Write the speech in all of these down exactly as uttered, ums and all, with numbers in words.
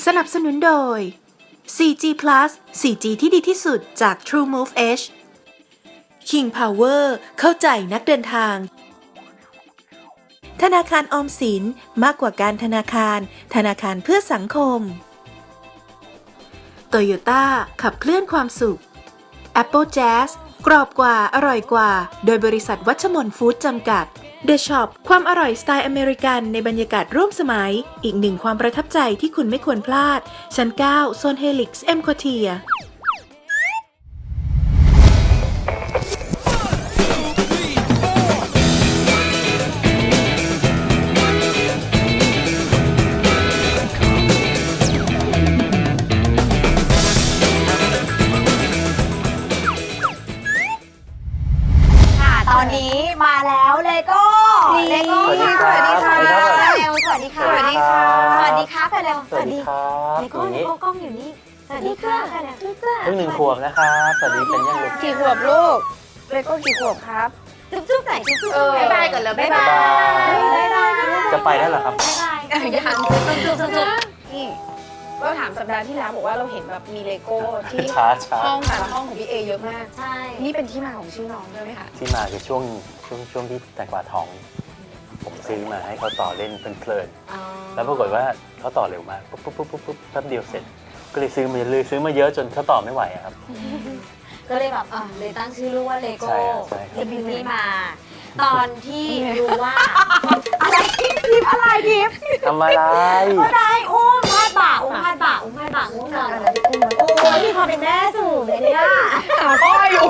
สนับสนุนโดย โฟร์จี Plus โฟร์จี ที่ดีที่สุดจาก TrueMove Edge King Power เข้าใจนักเดินทางธนาคารออมสินมากกว่าการธนาคารธนาคารเพื่อสังคม Toyota ขับเคลื่อนความสุข Apple Jazz กรอบกว่าอร่อยกว่าโดยบริษัทวัชมนฟู้ดจำกัด The Shop ความอร่อยสไตล์อเมริกันในบรรยากาศร่วมสมัยอีกหนึ่งความประทับใจที่คุณไม่ควรพลาดชั้นเก้าโซนเฮลิกซ์เอ็มควอเทียตอนนี้มาแล้วเลโก้เลโก้สวัสดีค่ะเร็วสวัสดีค่ะสวัสดีค่ะสวัสดีค่ะไปเร็วสวัสดีเลโก้เลโก้กล้องอยู่นี่สวัสดีค่ะไปเร็วเพิ่งหนึ่งขวบนะครับสวัสดีเป็นยังลูกกี่ขวบลูกเลโก้กี่ขวบครับจุ๊บจุ๊บไหนจุ๊บจุ๊บบ๊ายบายก่อนเลยบ๊ายบายบ๊ายบายจะไปแล้วเหรอครับบ๊ายบายยังจุ๊บจุ๊บจุ๊บจุ๊บนี่ก็ถามสัปดาห์ที่แล้วบอกว่าเราเห็นแบบมีเลโก้ที่ห้องแต่ละห้องของพี่เอเยอะมากใช่นี่เป็นที่มาของชื่อน้องด้วยไหมคะที่มาคือช่วงช่วงช่วงที่แตงกวาท้องผมซื้อมาให้เขาต่อเล่นเพลินๆแล้วปรากฏว่าเขาต่อเร็วมากปุ๊บปุ๊บปุ๊บปุ๊บปุ๊บแป๊บเดียวเสร็จก็เลยซื้อมาเลยซื้อมาเยอะจนเขาต่อไม่ไหวครับก็เลยแบบเลยตั้งชื่อลูกว่าเลโก้จะมีที่มาตอนที่รู้ว่าอะไรทิปทิปอะไรทิปทำอะไรอะไรอุ้มพาดบ่าอุ้มพาดบ่าอุ้มพาดบ่าอุ้มนอนโอ้ยมีความเป็นแม่สูงเลยเนี่ยก็อยู่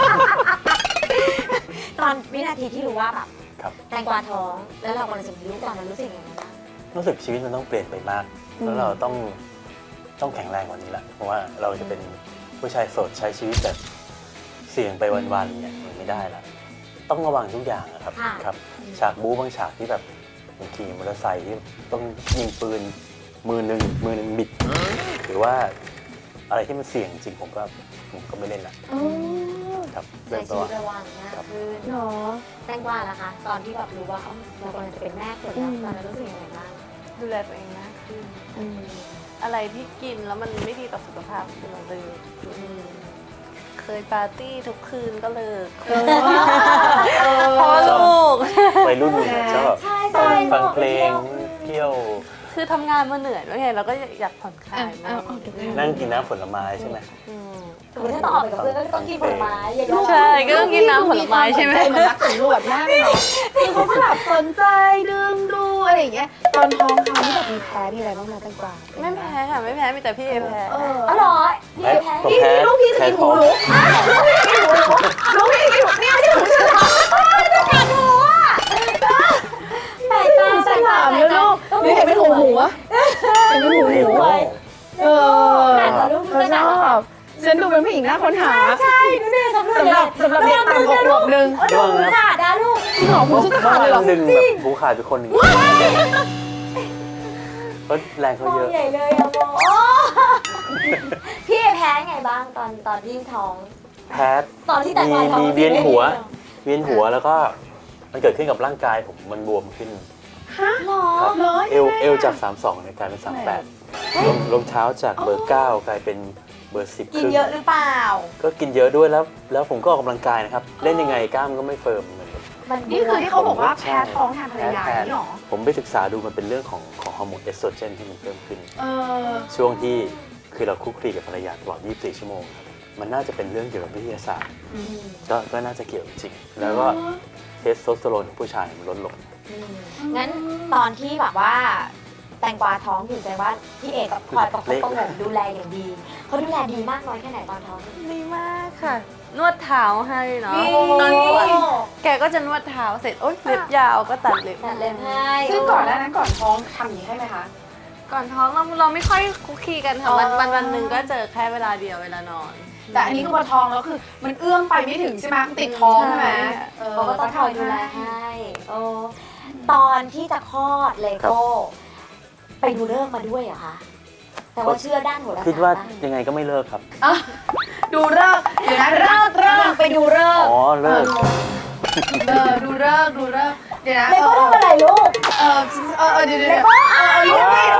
ตอนวินาทีที่รู้ว่าแบบแตงกวาท้องแล้วเรากำลังจะมีลูกตอนนั้นรู้สึกยังไงบ้างรู้สึกชีวิตมันต้องเปลี่ยนไปมากแล้วเราต้องต้องแข็งแรงกว่านี้ละเพราะว่าเราจะเป็นผู้ชายโสดใช้ชีวิตแบบเสี่ยงไปวันๆเนี่ยมันไม่ได้ละต้องระวังทุกอย่างนะครับครับฉากบู๊บางฉากที่แบบขี่มอเตอร์ไซค์ที่ต้องยิงปืนมือหนึ่งมือหนึ่งบิดหรือว่าอะไรที่มันเสี่ยงจริงผมก็ผมก็ไม่เล่นละครับใช้ชีวิตระวังมากขึ้นเนาะแตงกวาล่ะคะตอนที่แบบรู้ว่าเรากำลังจะเป็นแม่คนแล้วตอนนั้นรู้สึกยังไงบ้างดูแลตัวเองมากขึ้นอะไรที่กินแล้วมันไม่ดีต่อสุขภาพคือเราเลยเคยปาร์ตี้ทุกคืนก็เลิกพอลูกวัยรุ่นชอบฟังเพลงเที่ยวคือทำงานมาเหนื่อยด้วยไงเราก็อยากผ่อนคลายนั่งกินน้ำผลไม้ใช่ไหมคือถ้าต้องออกไปกับเพื่อนก็ต้องกินผลไม้ใช่ก็ต้องกินน้ำผลไม้ใช่ไหมมันรักสำรวจมากเลยคือเขาแบบสนใจดึงดูอะไรอย่างเงี้ยตอนท้องเขาที่แบบมีแพ้มีอะไรบ้างไหมตั้งกว่าไม่แพ้ค่ะไม่แพ้มีแต่พี่เอแพ้อ๋อเหรอพี่เอแพ้พี่ลูกพี่จะกินหมูลูกลูกพี่จะกินหมูเนี่ยที่หมูจะทำจะกัดหัวแปลกตาแปลกตาแล้วลูกนี่เห็นเป็นหูหัวเห็นเป็นหูหัวเออเขาชอบฉันดูเป็นผู้หญิงน่าค้นหาใช่สำหรับสำหรับเด็กต่ำหกขวบนึงดูขาดนะลูกหอมผู้จะขาดเลยหรอดึงแบบหูขาดไปคนหนึ่งก็แรงเขาเยอะใหญ่เลยอะโมพี่แพ้ไงบ้างตอนตอนที่ท้องแพ้ตอนที่แต่ก่อนมีเวียนหัวเวียนหัวแล้วก็มันเกิดขึ้นกับร่างกายผมมันบวมขึ้นฮะหรอเอวเอวจากสามสิบสองเนี่ยกลายเป็นสามสิบแปดลงลงเท้าจากเบอร์เก้ากลายเป็นเบอร์สิบกินเยอะหรือเปล่าก็กินเยอะด้วยแล้วแล้วผมก็ออกกำลังกายนะครับเล่นยังไงกล้ามก็ไม่เฟิร์มเหมือนนี่คือที่เขาบอกว่าแพ้ท้องทางภรรยาหรอผมไปศึกษาดูมันเป็นเรื่องของของฮอร์โมนเอสโตรเจนที่มันเพิ่มขึ้นช่วงที่คือเราคุกคีกับภรรยาตลอดยี่สิบสี่ชั่วโมงครับมันน่าจะเป็นเรื่องเกี่ยวกับวิทยาศาสตร์ก็ก็น่าจะเกี่ยวจริงแล้วก็เทสโทสเตอโรนของผู้ชายมันลดลงงั้นตอนที่แบบว่าแตงกวาท้องอยู่ใจว่าพี่เอกกับคอยประคบประหงมดูแลอย่างดีเขาดูแลดีมากน้อยแค่ไหนตอนท้องดีมากค่ะนวดเท้าให้เนาะตอนปวดแกก็จะนวดเท้าเสร็จโอ๊ยเล็บยาวก็ตัดเล็บตัดเล็บให้ซึ่งก่อนหน้านั้นก่อนท้องทำอย่างนี้ให้ไหมคะก่อนท้องเราเราไม่ค่อยคุกคีกันค่ะวันวันวันหนึ่งก็เจอแค่เวลาเดียวเวลานอนแต่อันนี้ก็พอท้องแล้วคือมันเอื้อมไปไม่ถึงใช่ไหมติดท้องใช่ไหมเขาก็ต้องคอยดูแลให้ตอนที่จะคลอดเลโก้ไปดูเลิกมาด้วยเหรอคะแต่ว่าเชื่อด้านโหราศาสตร์คิดว่ายังไงก็ไม่เลิกครับดูเลิกเดี๋ยวนะเลิกเลิกไปดูเลิกอ๋อเลิกเออดูเลิกดูเลิกเดี๋ยวนะเลโก้ทำอะไรลูกเออเออเดี๋ยวเดี๋ยวเลโก้เอาเอารีบรีบ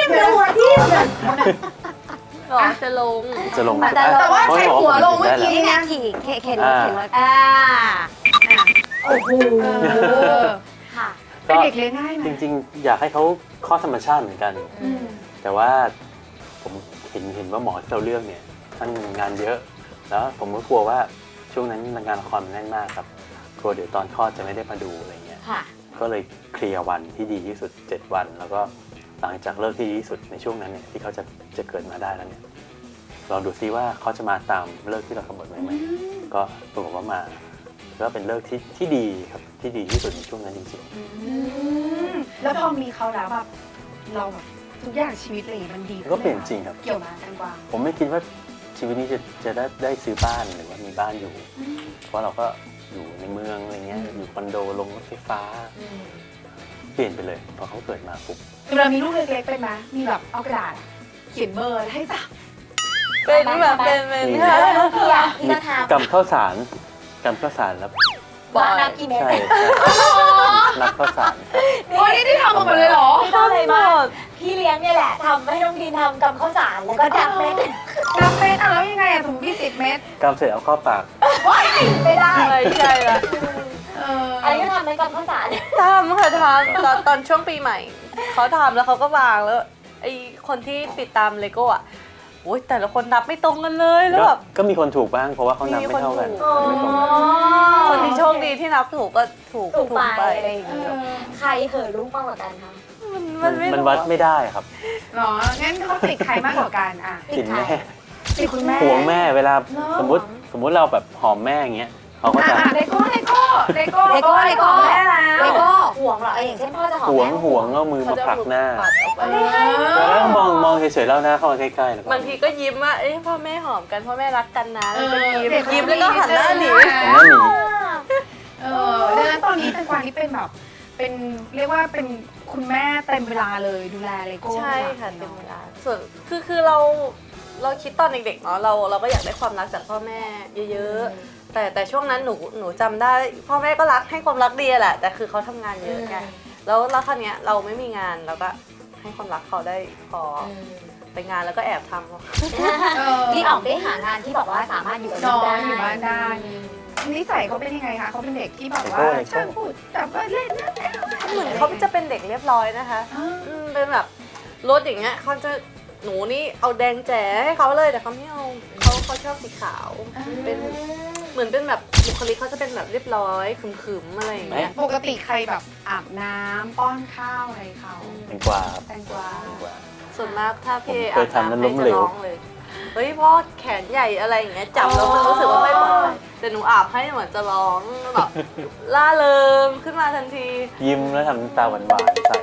หัวที่หรอจะลงจะลงแต่แต่ว่าใช้หัวลงเมื่อกี้นี่ไงเนี่ยขี่เข็นเข็นอ่าเข็นรถอ่าโอ้โหค่ะเป็นเด็กเลี้ยงง่ายไหมจริงๆ อยากให้เขาข้อธรรมชาติเหมือนกันอืมแต่ว่าผมเห็นเห็นว่าหมอที่เราเลือกเนี่ยท่านงานเยอะ แล้วผมก็กลัวว่าช่วงนั้นงานละครมันแน่นมากครับกลัวเดี๋ยวตอนคลอดจะไม่ได้มาดูอะไรเงี้ยค่ะก็เลยเคลียร์วันที่ดีที่สุดเจ็ดวัน แล้วก็หลังจากเลิกที่ดีที่สุดในช่วงนั้นเนี่ยที่เขาจะจะเกิดมาได้แล้วเนี่ยลองดูซิว่าเขาจะมาตามเลิกที่เรากำหนดไว้ไหมก็ปรากฏว่ามาก็เป็นเลิกที่ที่ดีครับที่ดีที่สุดในช่วงนั้นจริงอืมแล้วพอมีเขาแล้วแบบเราแบบทุกอย่างชีวิตเลยมันดีๆก็เปลี่ยนจริงครับเกี่ยวมากันกว่าผมไม่คิดว่าชีวิตนี้จะจะได้ได้ซื้อบ้านหรือว่ามีบ้านอยู่ เพราะเราก็อยู่ในเมืองอะไรเงี้ยอยู่คอนโดลงรถไฟฟ้า เปลี่ยนไปเลยพอเขาเกิดมาปุ๊บเวลามีลูกเล็กๆเป็นไหมมีแบบเอากระดาษอะเขียนเบอร์ให้จับเป็นแบบเป็นเป็นมีพี่อะพี่ก็ทำกำข้าวสารกำข้าวสารแล้วบอกนับกี่เม็ดใช่ใช่นับข้าวสารครับโอ้ยนี่ที่ทำมาหมดเลยเหรอพี่ก็เลยมาพี่เลี้ยงเนี่ยแหละทำให้น้องดีนทำกับข้าวสารแล้วก็ดับเม็ดนับเม็ดอ่ะแล้วยังไงอ่ะสมมติพี่สิบเม็ดกำเสร็จเอาเข้าปากไม่ได้ไม่ใช่ละเอออันนี้ก็ทำเป็นกับข้าวสารทำค่ะทำตอนตอนช่วงปีใหม่ เขาทำแล้วเขาก็วางแล้วไอคนที่ติดตามเลโก้อะโอ้ยแต่ละคนนับไม่ตรงกันเลยแล้วก็แบบก็มีคนถูกบ้างเพราะว่าเขานับไม่เท่ากันมีคนถูกไม่ตรงกันคนที่โชคดีที่นับถูกก็ถูกถูกไปไปอะไรอย่างเงี้ยใครเหอะลูกมากกว่ากันคะมันมัมัน นไม่มันวัดไม่ได้ครับเหรองั้นเขาติดใครมากกว่ากันอ่ะติดแม่ติดคุณแม่ห่วงแม่เวลาเนอะสมมติสมมติเราแบบหอมแม่อย่างเงี้ยเขาก็อ่ะจะอ่ะเลโก้เลโก้เลโก้เลโก้เลโก้ของแม่แล้วเลโก้ห่วงเหรออย่างเช่นพ่อจะหอมห่วงแม่ห่วงเอามือมาผลักหน้าปัดออกไปแล้วมองมองเฉยๆแล้วหน้าเข้ามาใกล้ๆแล้วก็บางทีก็ยิ้มว่าเอ้ยพ่อแม่หอมกันพ่อแม่รักกันนะเอแล้วอก็ยิ้มยิ้มแล้วก็หันหน้าหนีผมว่ามีเออดังนั้นตอนนี้แตงกวานี่เป็นแบบเป็นเรียกว่าเป็นคุณแม่เต็มเวลาเลยดูแลเลโก้ใช่ค่ะเต็มเวลาส่วนคือคือเราเราคิดตอนเด็กๆเนาะเราเราก็อยากได้ความรักจากพ่อแม่เยอะๆแต่แต่ช่วงนั้นหนูหนูจำได้พ่อแม่ก็รักให้ความรักดีแหละแต่คือเขาทำงานเยอะไงแล้วแล้วคราวเนี้ยเราไม่มีงานเราก็ให้ความรักเขาได้พอไปงานแล้วก็แอบทำเขาเออนี่ออกได้หางานที่บอกว่าสามารถอยู่กับน้ลูอก งได้อยู่บ้านได้นิสัยเขาเป็นยังไงคะเขาเป็นเด็กที่แบบว่าช่างพูดแต่ก็เล่นนะเหมือนเขาจะเป็นเด็กเรียบร้อยนะคะอืมเป็นแบบรถอย่างเงี้ยเขาจะหนูนี่เอาแดงแจ๋ให้เขาเลยแต่เขาไม่เอาเขาเขาชอบสีขาวเป็นเหมือนเป็นแบบบุคลิกเขาจะเป็นแบบเรียบร้อยขึมๆอะไรอย่างเงี้ยปกติใครแบบอาบน้ำป้อนข้าวอะไรเขาแตงกวาครับแตงกวาแตงกวาส่วนมากถ้าพี่ผมเคยทำแล้วล้มเหลวอาบน้ำให้จะร้องเลยเฮ้ยพ่อแขนใหญ่อะไรอย่างเงี้ยจับแล้วมันรู้สึกว่าไม่ปลอดภัยแต่หนูอาบให้เหมือนจะร้องแบบล่าเริงขึ้นมาทันทียิ้มแล้วทำน้ำตาหวานๆใส่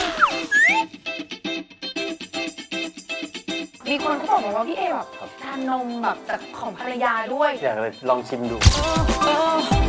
มีคนเขาบอกมาว่าพี่เอแบบทานนมแบบจากของภรรยาด้วยอยากเลยลองชิมดู oh, oh.